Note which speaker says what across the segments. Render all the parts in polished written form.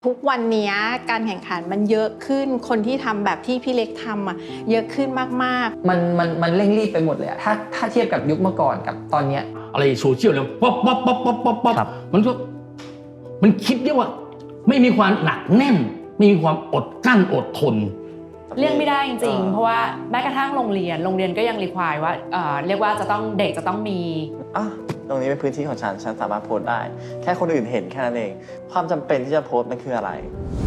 Speaker 1: ทุกวันนี้การแข่งขันมันเยอะขึ้นคนที่ทำแบบที่พี่เล็กทำเยอะขึ้นมาก
Speaker 2: ๆมันเร่งรีบไปหมดเลยถ้าเทียบกับยุคเมื่อก่อนกับตอนนี้
Speaker 3: อะไรโซเชียลเลยป๊อปมันคิดได้ว่าไม่มีความหนักแน่นไม่มีความอดกั้นอดทน
Speaker 4: เลี่ยงไม่ได้จริงๆเพราะว่าแม้กระทั่งโรงเรียนก็ยังรีควายว่าเรียกว่าเด็กจะต้องมี
Speaker 5: ตรงนี้เป็นพื้นที่ของฉันสามารถโพสต์ได้แค่คนอื่นเห็นแค่นั้นเองความจำเป็นที่จะโพสต์มันคืออะไร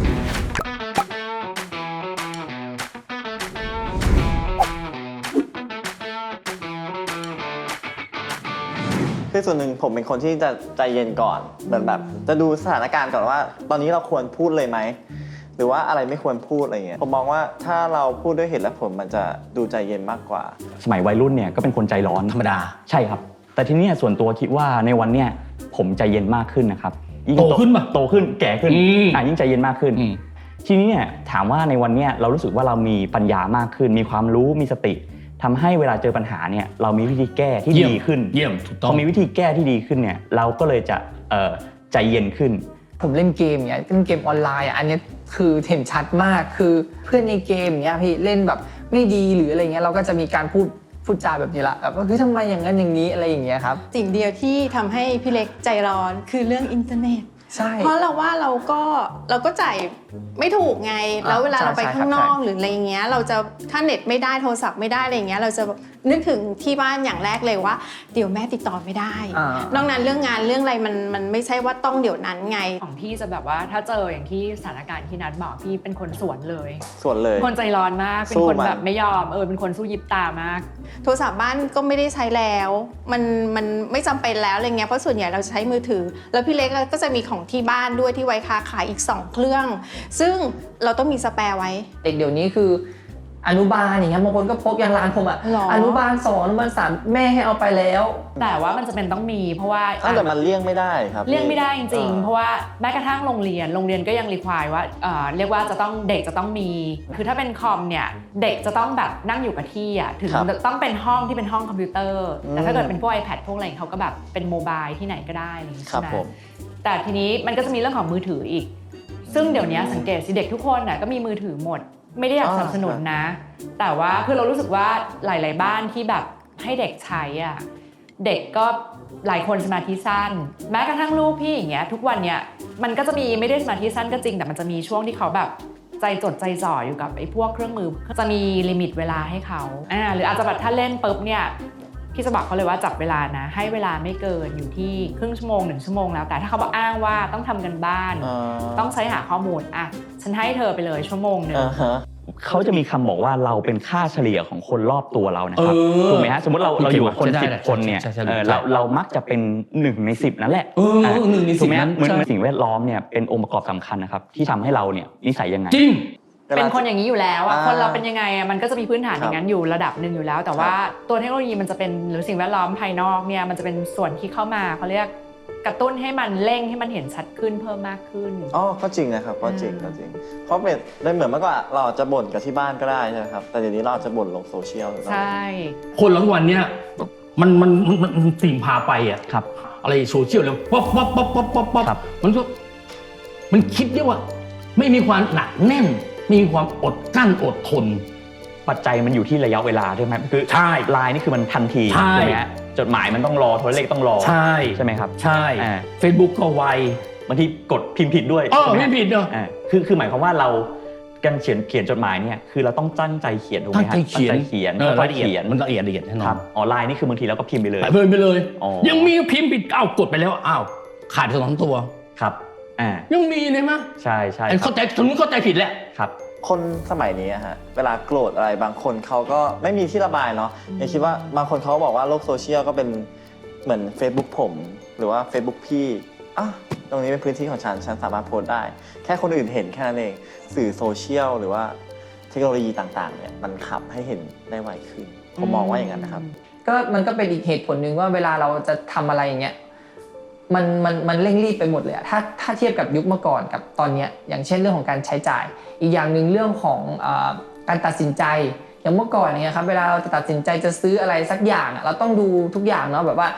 Speaker 5: คือส่วนหนึ่งผมเป็นคนที่จะใจเย็นก่อนเหมือนแบบจะดูสถานการณ์ก่อนว่าตอนนี้เราควรพูดเลยไหมหรือว่าอะไรไม่ควรพูดอะไรเงี้ยผมมองว่าถ้าเราพูดด้วยเหตุและผลมันจะดูใจเย็นมากกว่า
Speaker 6: สมัยวัยรุ่นเนี่ยก็เป็นคนใจร้อน
Speaker 3: ธรรมดา
Speaker 6: ใช่ครับแต่ทีนี้ส่วนตัวคิดว่าในวันเนี้ยผมใจเย็นมากขึ้นนะครับ
Speaker 3: ยิ่งโตขึ้นป่ะ
Speaker 6: โตขึ้นแก่ขึ้นยิ่งใจเย็นมากขึ้นทีนี้เนี่ยถามว่าในวันเนี้ยเรารู้สึกว่าเรามีปัญญามากขึ้นมีความรู้มีสติทำให้เวลาเจอปัญหาเนี่ยเรามีวิธีแก้ที่ดีขึ้น
Speaker 3: เยี่ยมถูกต้อง
Speaker 6: พอมีวิธีแก้ที่ดีขึ้นเนี่ยเราก็เลยจะใจเย็นขึ้น
Speaker 2: ผมเล่นเกมเนี่ยเล่นเกมออนไลน์อันนี้คือเห็นชัดมากคือเพื่อนในเกมเนี่ยพี่เล่นแบบไม่ดีหรืออะไรเงี้ยเราก็จะมีการพูดจาแบบนี้ละแบบว่าคือทำไมอย่างนั้นอย่างนี้อะไรอย่างเงี้ยครับ
Speaker 1: สิ่งเดียวที่ทำให้พี่เล็กใจร้อนคือเรื่องอินเทอร์เน็ต
Speaker 2: ใช่
Speaker 1: เพราะเราว่าเราก็จ่ายไม่ถูกไงแล้วเวลาเราไปข้างนอกหรืออะไรเงี้ยเราจะถ้าเน็ตไม่ได้โทรศัพท์ไม่ได้อะไรเงี้ยเราจะนึกถึงที่บ้านอย่างแรกเลยว่าเดี๋ยวแม่ติดต่อไม่ได้นอกนั้นเรื่องงานเรื่องอะไรมันไม่ใช่ว่าต้องเดี๋ยวนั้นไง
Speaker 4: ของพี่จะแบบว่าถ้าเจออย่างที่สถานการณ์ที่นัดบอกพี่เป็นคนสวนเลยคนใจร้อนมากเป็นคนแบบไม่ยอมเป็นคนสู้ยิบตามาก
Speaker 1: โทรศัพท์บ้านก็ไม่ได้ใช้แล้วมันไม่จำเป็นแล้วอะไรเงี้ยเพราะส่วนใหญ่เราใช้มือถือแล้วพี่เล็กก็จะมีของที่บ้านด้วยที่ไว้ค้าขายอีก2เครื่องซึ่งเราต้องมีสแปร์ไว้
Speaker 2: เด็กเดี๋ยวนี้คืออนุบาลอย่างเงี้ยบางคนก็พกอย่างร้านผมอนุบาล2อนุบาล3แม่ให้เอาไปแล้ว
Speaker 4: แต่ว่ามันจะเป็นต้องมีเพราะว่า
Speaker 5: แต่มันเลี่ยงไม่ได้ครับ
Speaker 4: เลี่ยงไม่ได้จริงๆเพราะว่าแม้กระทั่งโรงเรียนก็ยังรีควายว่าเรียกว่าเด็กจะต้องมีคือถ้าเป็นคอมเนี่ยเด็กจะต้องแบบนั่งอยู่กับที่ถึงต้องเป็นห้องที่เป็นห้องคอมพิวเตอร์แต่ถ้าเกิดเป็นพวก iPad พวกอะไรเขาก็แบบเป็นโมบายที่ไหนก็ได้อะไรอย่างนี้ใช่ไหมแต่ทีนี้มันก็จะมีเรื่องของมือถืออีกซึ่งเดี๋ยวนี้สังเกตสิเด็กทุกคนก็มีมือถือหมดไม่ได้อยากสนับสนุนนะแต่ว่าคือเรารู้สึกว่าหลายๆบ้านที่แบบให้เด็กใช้เด็กก็หลายคนสมาธิสั้นแม้กระทั่งลูกพี่อย่างเงี้ยทุกวันเนี้ยมันก็จะมีไม่ได้สมาธิสั้นก็จริงแต่มันจะมีช่วงที่เขาแบบใจจดใจจ่ออยู่กับไอ้พวกเครื่องมือจะมีลิมิตเวลาให้เขาหรืออาจจะแบบถ้าเล่นปุ๊บเนี่ยพี่จะบอกเขาเลยว่าจับเวลานะให้เวลาไม่เกินอยู่ที่ครึ่งชั่วโมง1 ชั่วโมงแล้วแต่ถ้าเขาบอกอ้างว่าต้องทำกันบ้านต้องใช้หาข้อมูลฉันให้เธอไปเลยชั่วโมงนึง
Speaker 6: เขาจะมีคำบอกว่าเราเป็นค่าเฉลี่ยของคนรอบตัวเรานะครับถูกไหมฮะสมมติเราอยู่กับคน10 คนเนี่ยเรามักจะเป็น1 ใน 10นั่นแหละ
Speaker 3: 1 ใน 10
Speaker 6: นั้นเหมือนสิ่งแวดล้อมเนี่ยเป็นองค์ประกอบสำคัญนะครับที่ทำให้เราเนี่ยนิสัยยังไง
Speaker 3: จริง
Speaker 4: เป็นคนอย่างนี้อยู่แล้วคนเราเป็นยังไงมันก็จะมีพื้นฐานอย่างนั้นอยู่ระดับหนึ่งอยู่แล้วแต่ว่าตัวเทคโนโลยีมันจะเป็นหรือสิ่งแวดล้อมภายนอกเนี่ยมันจะเป็นส่วนที่เข้ามาเขาเรียกกระตุ้นให้มันเร่งให้มันเห็นชัดขึ้นเพิ่มมากขึ้น
Speaker 5: ก็จริงนะครับก็จริงเพราะเป็นได้เหมือนเมื่อก่อนเราจะบ่นกับที่บ้านก็ได้ใช่ไหมครับแต่เดี๋ยวนี้เราจะบ่นลงโซเชียล
Speaker 4: ใช่
Speaker 3: คนหลังวันเนี้ยมันสิ่งพาไป
Speaker 6: ครับ
Speaker 3: อะไรโซเชียลเลยป๊อปมันคิดได้ว่าไม่มีความหนักแน่นมีความอดกั้นอดทน
Speaker 6: ปัจจัยมันอยู่ที่ระยะเวลาใช่ไหมคือ
Speaker 3: ใช่
Speaker 6: ไลน์นี่คือมันทันที
Speaker 3: ใช่
Speaker 6: ไหมจดหมายมันต้องรอโทรเลขต้องรอ
Speaker 3: ใ
Speaker 6: ช่ไหมครับ
Speaker 3: ใช่ Facebook ก็ไว
Speaker 6: บางทีกดพิมพ์ผิดด้วย
Speaker 3: พิมพ์ผิดเนอะ
Speaker 6: คือหมายความว่าเราการเขียนจดหมายเนี่ยคือเราต้องตั้งใจเขียนถูกไหมครับตั้งใจเขียน
Speaker 3: มันละเอียดแน่นอน
Speaker 6: ไลน์นี่คือบางทีเราก็พิมพ์ไปเลย
Speaker 3: ยังมีพิมพ์ผิดกดไปแล้วขาด2 ตัว
Speaker 6: ครับ
Speaker 3: ยังมีเลยมั้ย
Speaker 6: ใช่
Speaker 3: เข้าใจตรงนี้เข้าใจผิดแหละ
Speaker 6: ครับ
Speaker 5: คนสมัยนี้เวลาโกรธอะไรบางคนเขาก็ไม่มีที่ระบายเนาะอย่างคิดว่าบางคนเขาบอกว่าโลกโซเชียลก็เป็นเหมือน Facebook ผมหรือว่า Facebook พี่ตรงนี้เป็นพื้นที่ของฉันสามารถโพสต์ได้แค่คนอื่นเห็นแค่นั้นเองสื่อโซเชียลหรือว่าเทคโนโลยีต่างๆเนี่ยมันขับให้เห็นได้ไวขึ้นผมมองว่าอย่างนั้นนะครับ
Speaker 2: มันก็เป็นอีกเหตุผลหนึ่งว่าเวลาเราจะทำอะไรอย่างเงี้ยมันเร่งรีบไปหมดเลยถ้าเทียบกับยุคเมื่อก่อนกับตอนนี้อย่างเช่นเรื่องของการใช้จ่ายอีกอย่างหนึ่งเรื่องของการตัดสินใจอย่างเมื่อก่อนเนี่ยครับเวลาเราจะตัดสินใจจะซื้ออะไรสักอย่างเราต้องดูทุกอย่างเนาะแบบว่า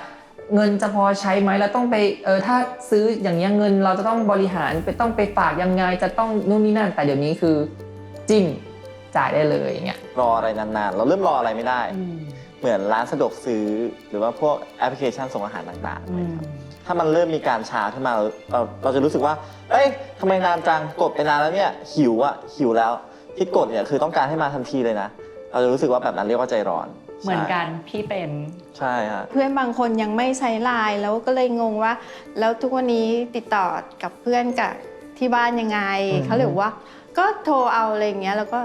Speaker 2: เงินจะพอใช้ไหมเราต้องไปถ้าซื้ออย่างเงี้ยเงินเราจะต้องบริหารไปต้องไปฝากยังไงจะต้องนู่นนี่นั่นแต่เดี๋ยวนี้คือจิ้มจ่ายได้เลยอย่างเงี้ย
Speaker 5: รออะไรนานๆเราเริ่มรออะไรไม่ได้ เหมือนร้านสะดวกซื้อหรือว่าพวกแอปพลิเคชันส่งอาหารต่างๆนะครับถ้ามันเริ่มมีการช้าขึ้นมาเราจะรู้สึกว่าเอ้ยทำไมนานจังกดไปนานแล้วเนี่ยหิวแล้วที่กดเนี่ยคือต้องการให้มาทันทีเลยนะเราจะรู้สึกว่าแบบนั้นเรียกว่าใจร้อน
Speaker 4: เหมือนกันพี่เป็น
Speaker 5: ใช่ฮะ
Speaker 1: เพื่อนบางคนยังไม่ใช้ไลน์แล้วก็เลยงงว่า แล้วทุกวันนี้ติดต่อกับเพื่อนกับที่บ้านยังไงเขาเลยบอกว่าก็โทรเอาอะไรอย่างเงี้ยแล้วก็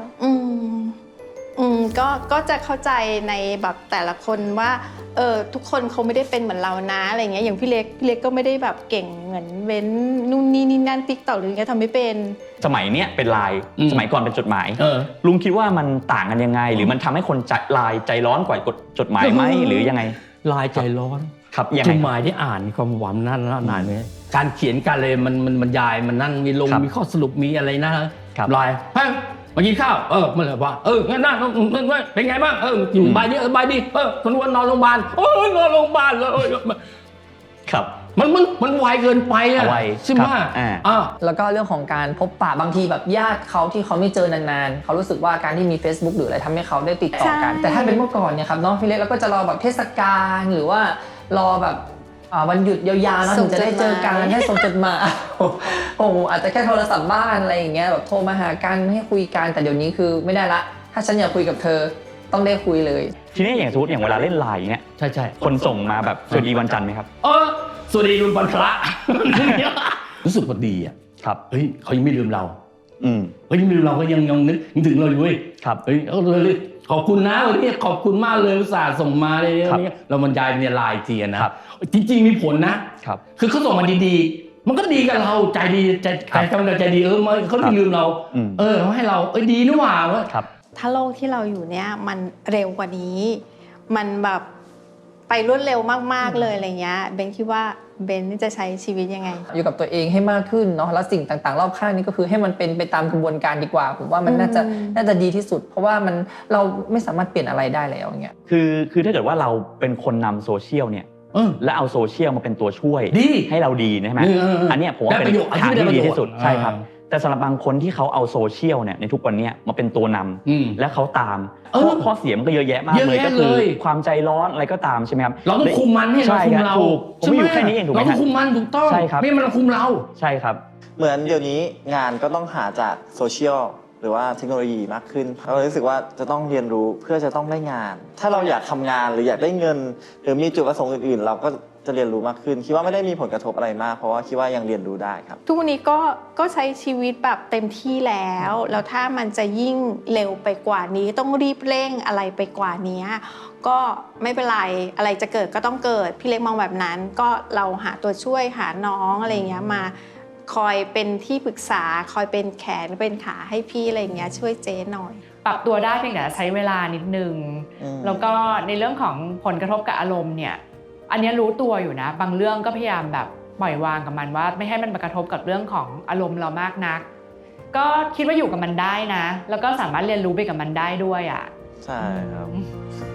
Speaker 1: ก็จะเข้าใจในแบบแต่ละคนว่าทุกคนเขาไม่ได้เป็นเหมือนเรานะอะไรเงี้ยอย่างพี่เล็กก็ไม่ได้แบบเก่งเหมือนเว้นนู่นนี่นั่นติ๊กต็อกหรือไงทำไม่เป็น
Speaker 6: สมัยเนี้ยเป็นไลน์สมัยก่อนเป็นจดหมายลุงคิดว่ามันต่างกันยังไง หรือมันทำให้คนไลน์ใจร้อนกว่ากดจดหมายไหมหรือยังไง
Speaker 3: ลายใจร้อน
Speaker 6: ครับยัง
Speaker 3: จ
Speaker 6: ไง
Speaker 3: ดหมายที่อ่านความหวังนั่นเลยการเขียนการเลยมันบรรยายมันนั่นมีลง
Speaker 6: ครับ
Speaker 3: มีข้อสรุปมีอะไรนะครับ ลายเฮ้ยมากินข้าวมันเลยว่างั้นนะเป็นไงบ้างอยู่บายดีคนวันนอนโรงพยาบาลนอนโรงพยาบาลเลย
Speaker 6: ครับ
Speaker 3: มันไวเกินไปอ่ะ
Speaker 6: ไว
Speaker 3: ใช่ไหม
Speaker 2: แล้วก็เรื่องของการพบปะบางทีแบบญาติเขาที่เขาไม่เจอนานๆเขารู้สึกว่าการที่มี Facebook หรืออะไรทำให้เขาได้ติดต่อกัน
Speaker 1: ใช่
Speaker 2: แต่ถ้าเป็นเมื่อก่อนเนี่ยครับน้องพี่เล็กเราก็จะรอแบบเทศกาลหรือว่ารอแบบวันหยุดยาวๆเนาะถึงจะได้เจอกันให้ส่งจดหมายโอ้โหอาจจะแค่โทรศัพท์บ้านอะไรอย่างเงี้ยแบบโทรมาหากันให้คุยกันแต่เดี๋ยวนี้คือไม่ได้ละถ้าฉันอยากคุยกับเธอต้องได้คุยเลย
Speaker 6: ทีนี้อย่างสมมติอย่างเวลาเล่นไลน์เนี่ย
Speaker 3: ใช่
Speaker 6: คนส่งมาแบบสวัสดีวันจันทร์ไหมครับ
Speaker 3: สวัสดีวันพระ รู้สึกว่าดีอ่ะ
Speaker 6: ครับ
Speaker 3: เฮ้ยเขายังไม่ลืมเรา
Speaker 6: ๆ
Speaker 3: เฮ้ยยังไม่ลืมเราก็ยังนึกถึงเราอยู่เว้ย
Speaker 6: ครับ
Speaker 3: เฮ้ยเลยขอบคุณนะวันนี้ขอบคุณมากเลยอุตส่าห์ส่งมาเลย
Speaker 6: ครับ
Speaker 3: เราบรรยายในไลน์เทียนะครับ จริงๆมีผลนะครับ คือเขาส่งมาดีๆมันก็ดีกับเราใจดีใจกำลังใจดีเขาไม่ลืมเราเขาให้เราดีนี่หว่าเว้ย
Speaker 6: ครับ
Speaker 1: ถ้าโลกที่เราอยู่เนี่ยมันเร็วกว่านี้ มันแบบไปรวดเร็วมากๆเลยอะไรเงี้ยเบนคิดว่าเบนจะใช้ชีวิตยังไง
Speaker 2: อยู่กับตัวเองให้มากขึ้นเนาะแล้วสิ่งต่างๆรอบข้างนี้ก็คือให้มันเป็นไปตามกระบวนการดีกว่าผมว่ามันน่าจะดีที่สุด เพราะว่าเราไม่สามารถเปลี่ยนอะไรได้แล้วอย่างเงี้ย
Speaker 6: คือถ้าเกิดว่าเราเป็นคนนำโซเชียลเนี่ยและเอาโซเชียลมาเป็นตัวช่วย
Speaker 3: ดี
Speaker 6: ให้เราดีใช่ไหมอันเนี้ยผมว่าเป็นทางที่ดีที่สุดใช่ครับแต่สำหรับบางคนที่เขาเอาโซเชียลเนี่ยในทุกวันเนี้ยมาเป็นตัวนำและเขาตามข้อเสียมันก็เยอะแยะมากเลยก็คือความใจร้อนอะไรก็ตามใช่ไหมครับ
Speaker 3: เราต้องคุมมันให้เราคุมเรา
Speaker 6: ผมไม่อยู่แค่นี้เองถูกไหม
Speaker 3: เราต้องคุมมันถูกต้อง
Speaker 6: ใช่ครับ
Speaker 3: ไม่มันคุมเรา
Speaker 6: ใช่ครับ
Speaker 5: เหมือนเดี๋ยวนี้งานก็ต้องหาจากโซเชียลหรือว่าเทคโนโลยีมากขึ้นเรารู้สึกว่าจะต้องเรียนรู้เพื่อจะต้องได้งาน ถ้าเราอยากทำงานหรืออยากได้เงิน หรือมีจุดประสงค์อื่นๆ เราก็จะเรียนรู้มากขึ้นคิดว่าไม่ได้มีผลกระทบอะไรมากเพราะว่าคิดว่ายังเรียนรู้ได้ครับ
Speaker 1: ทุกวันนี้ก็ใช้ชีวิตแบบเต็มที่แล้วถ้ามันจะยิ่งเร็วไปกว่านี้ต้องรีบเร่งอะไรไปกว่านี้ก็ไม่เป็นไรอะไรจะเกิดก็ต้องเกิดพี่เล็กมองแบบนั้นก็เราหาตัวช่วยหาน้องอะไรอย่างเงี้ยมาคอยเป็นที่ปรึกษาคอยเป็นแขนเป็นขาให้พี่อะไรอย่างเงี้ยช่วยเจ๊หน่อย
Speaker 4: ปรับตัวได้เพียงแต่ใช้เวลานิดนึงแล้วก็ในเรื่องของผลกระทบกับอารมณ์เนี่ยอันนี้รู้ตัวอยู่นะบางเรื่องก็พยายามแบบปล่อยวางกับมันว่าไม่ให้มันมากระทบกับเรื่องของอารมณ์เรามากนักก็คิดว่าอยู่กับมันได้นะแล้วก็สามารถเรียนรู้ไปกับมันได้ด้วยอ่ะ
Speaker 5: ใช่ครับ